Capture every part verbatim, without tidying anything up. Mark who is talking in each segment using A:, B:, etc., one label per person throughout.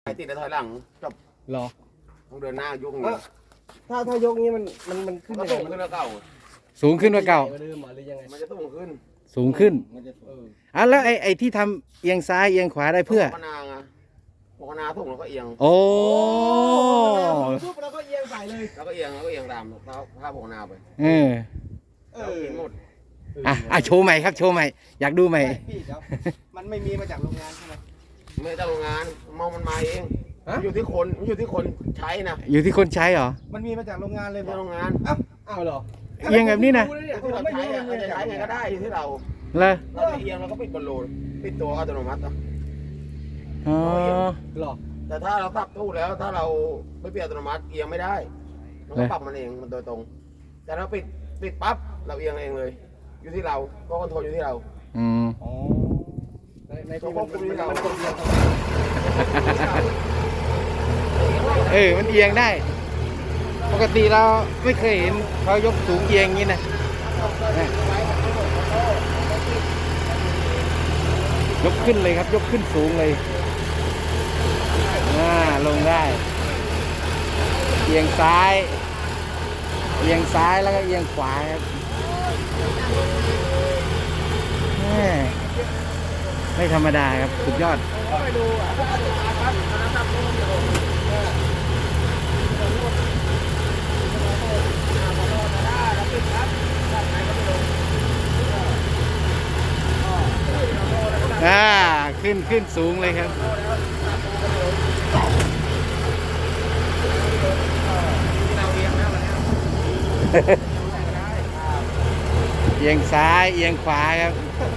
A: ไอ้ติดแล้วถอยหลังจบ
B: หรอ
A: ต้องเดินหน้ายกอย่าง
B: เอ้า
A: เงี้ย
B: ถ้าถ้ายกนี้มันมันมันขึ้น
A: ก็
B: ยังไง
A: สูงขึ้นแล้วเก่า
C: สูงขึ้นกว่าเก่า
B: เดิมหรือยังไง
A: มันจะสูงขึ้น
C: สูงขึ้น
B: มันจะเออ
C: อ่ะแล้วไอ้ไอ้ที่ทำเอียงซ้ายเอียงขวาได้เพื่อ
A: พนาไงพนาสูงแล้วก็เอียง
C: โอ้
B: ปุ๊บแล้วก็เอียงใส่เลย
A: แล้วก็เอียงแล้วก็เอียงตามเท้าผ้าพนาไป
C: เออ
B: เอ
A: แล้ว
B: อ
A: กินหมด
C: อ่ะอ่ะโชว์ใหม่ครับโชว์ใหม่อยากดูใหม่
B: พี่เดี๋ยวมันไม่มีมาจากโรงงานใช่ไหม
A: ไม่ได้โรงงานมองมันมาเอง
B: ฮะ
A: มันอยู่ที่คนมันอยู่ที่คนใช้นะ
C: อยู่ที่คนใช้เหรอ
B: มันมีมาจากโรงงานเลย
A: ไม่
B: บ
A: ใช่
B: อก
A: โรงงาน
B: เอ้าเอ้าเหรอ
C: เอียงแบบนี้นะ
A: ที่เราใช้อะเราจะใช้ไงก็ได้อยู่ที่เรา
C: เหรอ
A: เราจะเอียงเราก็ปิดบอลลูนปิดตัวอัตโนมัติอะ
C: อ๋อ
B: หรอ
A: แต่ถ้าเราสับตู้แล้วถ้าเราไม่ปิดอัตโนมัติเอียงไม่ได้มันก็ปรับมันเองมันโดยตรง แต่เราปิดปิดปั๊บเราเอียงเองเลย อยู่ที่เราก็คอนโทรลอยู่ที่เรา
C: อืม
B: อ๋อในในที่มันมันมันกดเอียงทำไม
C: เออมันเอียงได้ ปกติเราไม่เคยเห็นเขายกสูงเอียงอย่างนี้นะนะยกขึ้นเลยครับ ยกขึ้นสูงเลยอ่าลงได้ เอียงซ้าย เอียงซ้ายแล้วก็เอียงขวาครับแม่ไม่ธรรมดาครับสุดยอด อ่าขึ้นขึ้นสูงเลยครับ เอียงซ้ายเอียงขวาครับ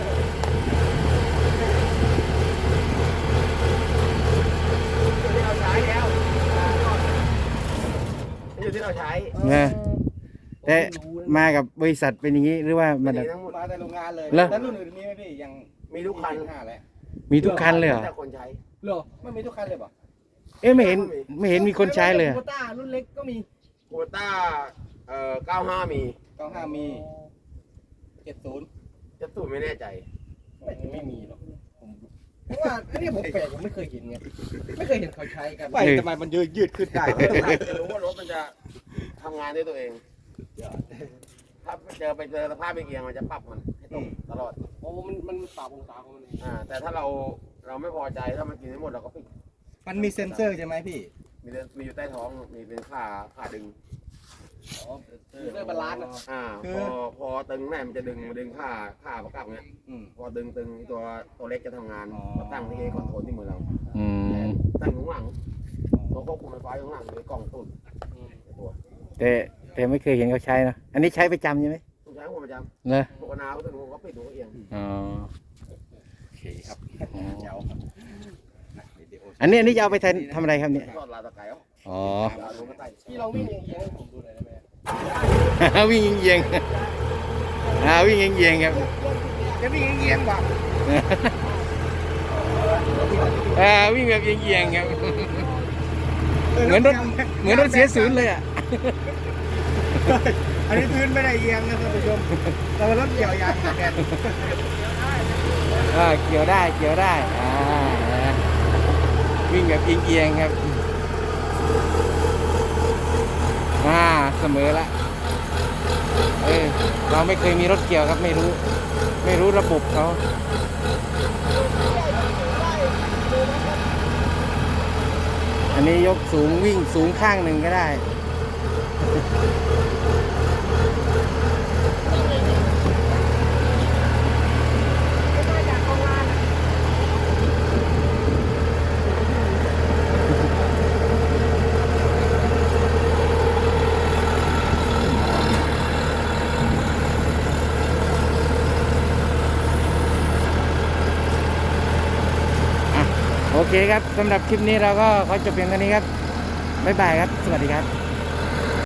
A: อยู่ที่เราใช้
C: นะแต่มากับบริษัทเป็นอย่างนี้หรือว่ามัน
A: มีทั้งหมด
B: มาแต่โรงงานเลย
C: เหรอ
B: แล้วรุ่นอื่นมีไหมพี่ยัง
A: มีทุกคัน
B: ห้าแล้ว
C: มีทุกคันเลยเหรอ
A: แต่คนใช้
B: เหรอไม่มีทุกคันเลยป่ะ
C: เอ๊ะไม่เห็นไม่เห็นมีคนใช้เลยอะ
B: โคต้ารุ่นเล็กก็มี
A: โควต้าเอ่อเก้าห้ามี
B: เก้าห้ามีเจ็ดศูนย์
A: จะสูตรไม่แน่ใจ
B: ไม่ไม่มีหรอกผมเพราะว่าอันนี้ผมแปลกผมไม่เคยเห็นไงไม่เคยเห็นเขาใช้กันไม่ทำไมมันยืดยืดขึ้นได้
A: จะรู้ว่ารถมันจะทำงานด้วยตัวเอง ถ้าเจอไปเจอสภาพเอียงมันจะปรับมันให้ตรงตลอด
B: โอ้มันมันปรับองศาของมันเอง
A: อ่า แต่ถ้าเราเราไม่พอใจถ้ามันกินไม่หมดเราก็ปิด
B: มันมีเซ็นเซอร์ใช่ไหมพี่
A: มีมีอยู่ใต้ท้องมีเป็นขาขาดึง
B: อ๋อเซ็นเซอร์บาลานซ์อะ
A: อ่า
B: คื
A: พ
B: อ
A: อพอตึงแม่มันจะดึงมาดึงขาขาประกับเนี้ย
B: อืม
A: พอดึงตึงตัวตัวเล็กจะทำงาน
B: อ๋อ
A: ก็ตั้งที่คอนโทรลที่มือเรา
C: อืม
A: ตั้งอยู่ข้างหลังตัวควบคุมไฟฟ้าอยู่ข้างหลังเลยกล่องตุ่นตัว
C: แต่แต่ไม่เคยเห็นเขาใช้นะอันนี้ใช้ประจำใช่ไหม
A: ต้องใช้หัวประจ
C: เนอะ
A: ำปกนาก็ตึงหัวก็ปิดหัวเอียง
C: อ๋อ
B: โอเคครับเจ้าวิดีโอ
C: อันนี้อันนี้จะเอาไปทำทำอะไรครับเนี่ย
A: ทอดลาตะไคร้เอา
C: อ๋อ
A: ลาลงก็ใส่
B: พี่ลองวิ่งอย่างเงี้ยให้ผมดูหน่อยได้ไหม
C: วิ่งเอียงๆอ่าวิ่งเอียงๆครับ
B: จะวิ่งเงี้ยงป่ะ
C: อ่าวิ่งแบบเอียงๆครับเหมือนรถเหมือนรถเสียศูนย์เลยอ่ะ
B: อันนี้พื้นไม่ได้เอียงนะท่านผู้ชมแต่ว่ารถเกี่ยวยางแกน
C: อ่าเกี่ยวได้เกี่ยวได้อ่าวิ่งแบบเอียงๆครับอ่าเสมอละเออเราไม่เคยมีรถเกี่ยวครับไม่รู้ ไม่รู้ระบบเขาอันนี้ยกสูงวิ่งสูงข้างหนึ่งก็ได้โอเคครับสำหรับคลิปนี้เราก็ขอจบเพียงเท่านี้ครับบ๊ายบายครับสวัสดีครับ